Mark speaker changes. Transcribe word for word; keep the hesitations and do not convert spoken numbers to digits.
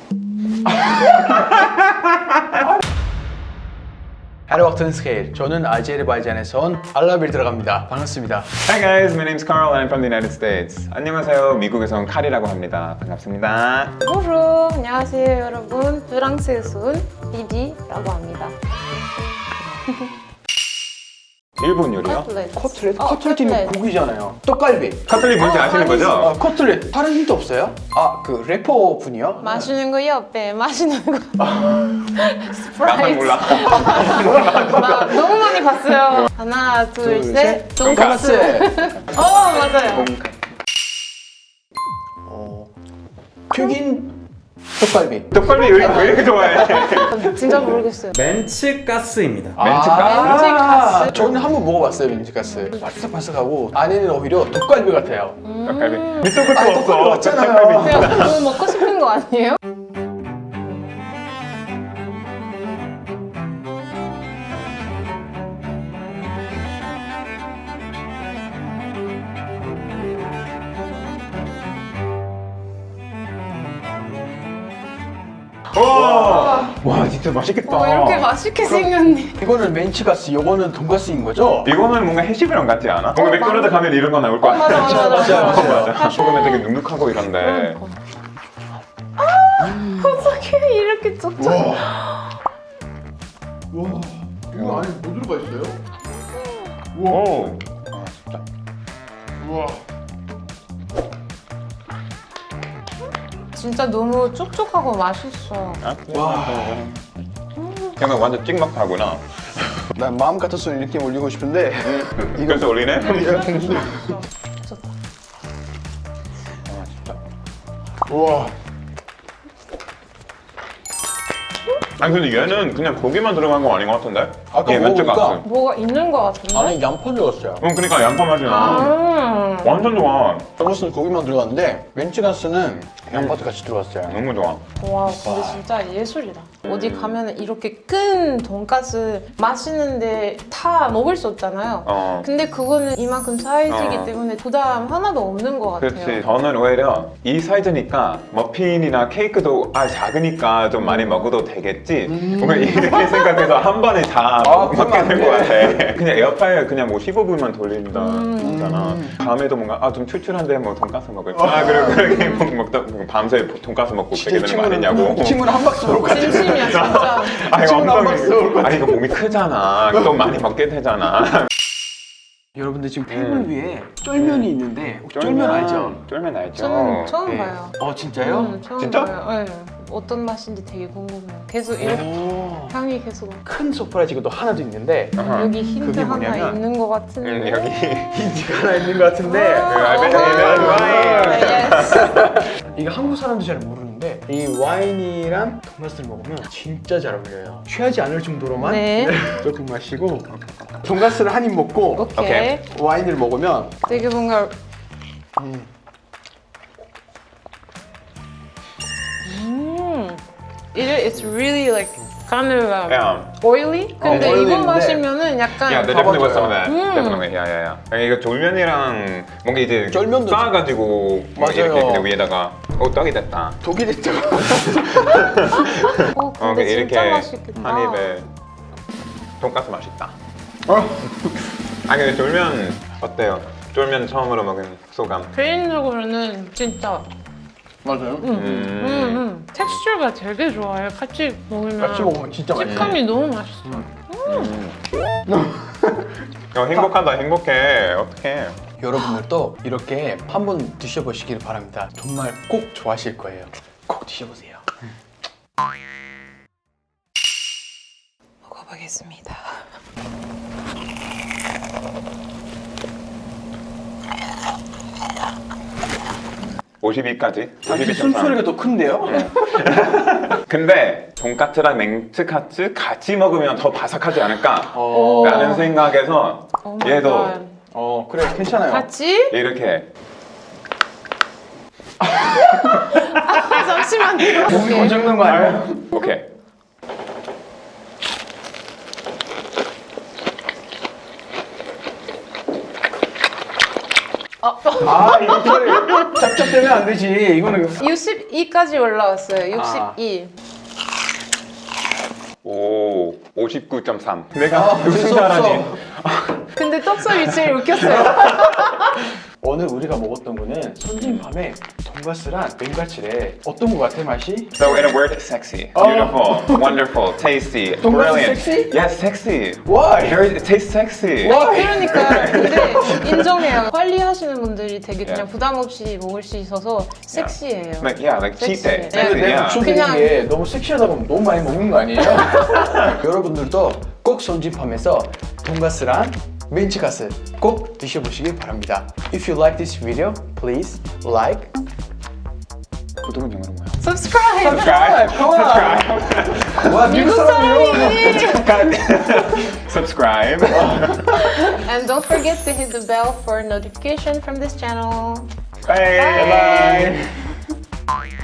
Speaker 1: Hallo Achtung, 저는 아제르바이잔에서 온 알라빌 들어갑니다. 반갑습니다.
Speaker 2: Hi guys, my name's Carl and I'm from the United States. 안녕하세요, 미국에서 온 칼이라고 합니다. 반갑습니다.
Speaker 3: Bonjour, 안녕하세요 여러분. 프랑스에서 온 비비라고 합니다.
Speaker 2: 일본 요리요?
Speaker 3: 커틀렛.
Speaker 1: 커틀렛?
Speaker 3: 어,
Speaker 1: 커틀렛이
Speaker 3: 커틀렛.
Speaker 1: 고기잖아요. 떡갈비.
Speaker 2: 커틀릿 뭔지
Speaker 3: 어,
Speaker 2: 아시는
Speaker 3: 아니지.
Speaker 2: 거죠?
Speaker 1: 아, 커틀렛. 다른 힌트 없어요? 아, 그 래퍼 분이요?
Speaker 3: 마시는 거 옆에 마시는 거.
Speaker 2: 나만
Speaker 3: 스프라이트.
Speaker 2: 몰라.
Speaker 3: 나 너무 많이 봤어요. 하나, 둘,
Speaker 1: 둘,
Speaker 3: 셋.
Speaker 1: 셋.
Speaker 3: 돈까스. 어, 맞아요.
Speaker 1: 어, 튀긴 떡갈비.
Speaker 2: 떡갈비 왜, 왜 이렇게 좋아해?
Speaker 3: 진짜 모르겠어요.
Speaker 4: 멘츠가스입니다.
Speaker 2: 멘츠가스?
Speaker 1: 아,
Speaker 3: 멘츠가스.
Speaker 1: 저는 한번 먹어봤어요, 멘츠가스. 바삭바삭하고 안에는 오히려 떡갈비 같아요.
Speaker 2: 떡갈비. 밑도 끝도
Speaker 1: 아니,
Speaker 2: 없어.
Speaker 1: 떡갈비 맞잖아요.
Speaker 2: 떡갈비.
Speaker 3: 그냥 그거 먹고 싶은 거 아니에요?
Speaker 2: 와,
Speaker 1: 와, 진짜 맛있겠다.
Speaker 3: 어, 이렇게 맛있게 생겼네.
Speaker 1: 이거는 멘치가스, 이거는 돈가스인 거죠?
Speaker 2: 이거는 뭔가 해시브랑 같지 않아? 뭔가 맥도날드 가면 이런 거 나올 거
Speaker 3: 어,
Speaker 2: 같아.
Speaker 3: 맞아, 맞아, 맞아.
Speaker 1: 맞아,
Speaker 2: 맞아. 소금에 되게 눅눅하고 이런데.
Speaker 3: 어떻게 이렇게 쩍쩍.
Speaker 1: 와, 이거 안에 뭐 들어가 있어요?
Speaker 2: 오. 아, 진짜.
Speaker 1: 우와.
Speaker 3: 진짜 너무 촉촉하고 맛있어.
Speaker 2: 아,
Speaker 1: 와.
Speaker 2: 그냥 완전 찍먹하구나.
Speaker 1: 난 마음 같아서 이렇게 올리고 싶은데 이거
Speaker 2: 그래서 올리네?
Speaker 3: 좋다.
Speaker 2: 아, 진짜.
Speaker 1: 우와.
Speaker 2: 아니 근데 얘는 그냥 고기만 들어간 거 아닌 것 같은데?
Speaker 1: 아까
Speaker 2: 얘
Speaker 1: 먹어보니까
Speaker 2: 멘츠가스.
Speaker 3: 뭐가 있는 거 같은데?
Speaker 1: 안에 양파 들어갔어요.
Speaker 2: 응, 그러니까 양파 맛이 나.
Speaker 3: 음.
Speaker 2: 완전 좋아.
Speaker 1: 돈가스는 고기만 들어갔는데 멘치가스는 양파도 같이 들어갔어요.
Speaker 2: 너무 좋아.
Speaker 3: 와 근데 진짜 예술이다. 어디 가면 이렇게 큰 돈가스 맛있는데 다 먹을 수 없잖아요.
Speaker 2: 어.
Speaker 3: 근데 그거는 이만큼 사이즈이기
Speaker 2: 어.
Speaker 3: 때문에 부담 하나도 없는 것 같아요.
Speaker 2: 그렇지. 저는 오히려 이 사이즈니까 머핀이나 케이크도 아 작으니까 좀 많이 먹어도 되겠지. 뭔가 이렇게 생각해서 한 번에 다
Speaker 1: 아,
Speaker 2: 먹게
Speaker 1: 그러면
Speaker 2: 될 것
Speaker 1: 안
Speaker 2: 같아.
Speaker 1: 돼.
Speaker 2: 그냥 에어파이어 그냥 뭐 십오 분만 돌린다.
Speaker 3: 음.
Speaker 2: 잖아. 밤에도 뭔가 아 좀 출출한데 뭐 돈가스 먹을까? 아 그리고 그렇게 먹- 먹다 밤새 돈가스 먹고 그렇게 되는 거 아니냐고.
Speaker 1: 친구는 한 박스 먹을 것 같아요.
Speaker 3: 진심이야 진짜.
Speaker 2: 아 이거
Speaker 1: 친구는 한
Speaker 2: 엉덩이.
Speaker 1: 박스 먹을 것
Speaker 2: 아 이거 몸이 크잖아. 또 많이 먹게 되잖아.
Speaker 1: 여러분들 지금 테이블
Speaker 2: 음.
Speaker 1: 위에 쫄면이 있는데 혹시 쫄면 알죠?
Speaker 2: 쫄면 알죠.
Speaker 3: 저는 처음
Speaker 1: 네.
Speaker 3: 봐요.
Speaker 1: 어 진짜요?
Speaker 3: 음, 처음
Speaker 2: 진짜?
Speaker 3: 봐요. 네. 어떤 맛인지 되게 궁금해요. 계속 이렇게
Speaker 1: 오.
Speaker 3: 향이 계속
Speaker 1: 큰 서프라이즈가 또 하나도 있는데
Speaker 2: 아하.
Speaker 3: 여기 힌트
Speaker 1: 그게
Speaker 3: 하나
Speaker 1: 뭐냐면,
Speaker 3: 있는 것 같은데.
Speaker 2: 음, 여기
Speaker 1: 힌트가 하나 있는 것 같은데
Speaker 2: 알베르 와인.
Speaker 1: 이거 한국 사람도 잘 모르는데 이 와인이랑 돈가스를 먹으면 진짜 잘 어울려요. 취하지 않을 정도로만
Speaker 3: 네.
Speaker 1: 조금 마시고 돈가스를 한 입 먹고
Speaker 3: 오케이.
Speaker 2: 오케이.
Speaker 1: 와인을 먹으면
Speaker 3: 되게 뭔가
Speaker 1: 음,
Speaker 3: 음, it it's really like kind of um,
Speaker 2: Yeah.
Speaker 3: oily. 근데
Speaker 1: 어,
Speaker 3: 이거
Speaker 1: oily인데.
Speaker 3: 마시면은 약간
Speaker 2: 야, 내 definitely was some of
Speaker 1: 가봐줘요.
Speaker 2: that.
Speaker 3: 음.
Speaker 2: Definitely. 야, 야, 야. 아니, 이거 졸면이랑 뭔가 이제
Speaker 1: 쫄면도
Speaker 2: 쌓아가지고 막
Speaker 1: 맞아요.
Speaker 2: 이렇게 그냥 위에다가 어 떡이 됐다.
Speaker 1: 독이 됐죠.
Speaker 3: 어,
Speaker 2: 어,
Speaker 3: 근데
Speaker 2: 이렇게
Speaker 3: 진짜 맛있겠다.
Speaker 2: 한 입에 돈가스 맛있다.
Speaker 1: 어?
Speaker 2: 아니 근데 졸면 어때요? 졸면 처음으로 먹은 소감.
Speaker 3: 개인적으로는 진짜
Speaker 1: 맞아요.
Speaker 3: 음, 음, 음. 텍스처가 되게 좋아요. 같이 먹으면
Speaker 1: 같이 먹으면 진짜 맛있어요.
Speaker 3: 식감이 너무 맛있어.
Speaker 2: 어, 행복하다 행복해. 어떡해.
Speaker 1: 여러분들도 이렇게 한번 드셔보시길 바랍니다. 정말 꼭 좋아하실 거예요. 꼭 드셔보세요.
Speaker 3: 먹어보겠습니다.
Speaker 2: 오십이까지.
Speaker 1: 사실 숨소리가 더 큰데요?
Speaker 2: 근데 돈까스랑 멘츠카츠 같이 먹으면 더 바삭하지 않을까?
Speaker 1: 어,
Speaker 2: 라는 생각에서
Speaker 3: Oh my
Speaker 2: 얘도
Speaker 3: God.
Speaker 1: 어 그래 괜찮아요.
Speaker 3: 같이?
Speaker 2: 이렇게
Speaker 3: 아, 잠시만요.
Speaker 1: 몸이 원장난 거 아니에요?
Speaker 2: 오케이.
Speaker 3: 어,
Speaker 1: 아 이거를 짭짭되면 안 되지. 이거는
Speaker 3: 육십이까지 올라왔어요. 육십이.
Speaker 2: 오, 오십구 점 삼. 내가
Speaker 1: 아,
Speaker 2: 우승자라니.
Speaker 3: 근데 떡소리 제일 웃겼어요.
Speaker 1: 오늘 우리가 먹었던 거는 선진밤에 돈가스랑 맨가치래. 어떤 거 같아 맛이?
Speaker 2: So in a word, sexy,
Speaker 1: Oh.
Speaker 2: beautiful, wonderful, tasty,
Speaker 1: 돈가스
Speaker 2: brilliant.
Speaker 1: sexy?
Speaker 2: Yes, sexy.
Speaker 1: Why?
Speaker 2: Very, it tastes sexy.
Speaker 1: Why?
Speaker 3: 그러니까 근데 인정해요. 관리하시는 분들이 되게 그냥
Speaker 2: Yeah.
Speaker 3: 부담 없이 먹을 수 있어서 섹시해요.
Speaker 2: Like yeah, like cheat day.
Speaker 3: Sexy.
Speaker 2: Sexy,
Speaker 1: 근데
Speaker 2: yeah.
Speaker 1: 내가
Speaker 3: 그냥-
Speaker 1: 추천드린 게 너무 섹시하다 보면 너무 많이 먹는 거 아니에요? 여러분들도 꼭 선진팜에서 돈가스랑 멘치가스 꼭 드셔보시길 바랍니다. If you like this video, please like,
Speaker 2: 구독은 영어로 뭐야?
Speaker 3: Subscribe.
Speaker 2: Subscribe.
Speaker 1: Subscribe. 와 미국
Speaker 3: 미국
Speaker 1: 사람이요.
Speaker 3: 사람이.
Speaker 2: Subscribe.
Speaker 3: And don't forget to hit the bell for notification from this channel.
Speaker 2: Bye.
Speaker 1: Bye.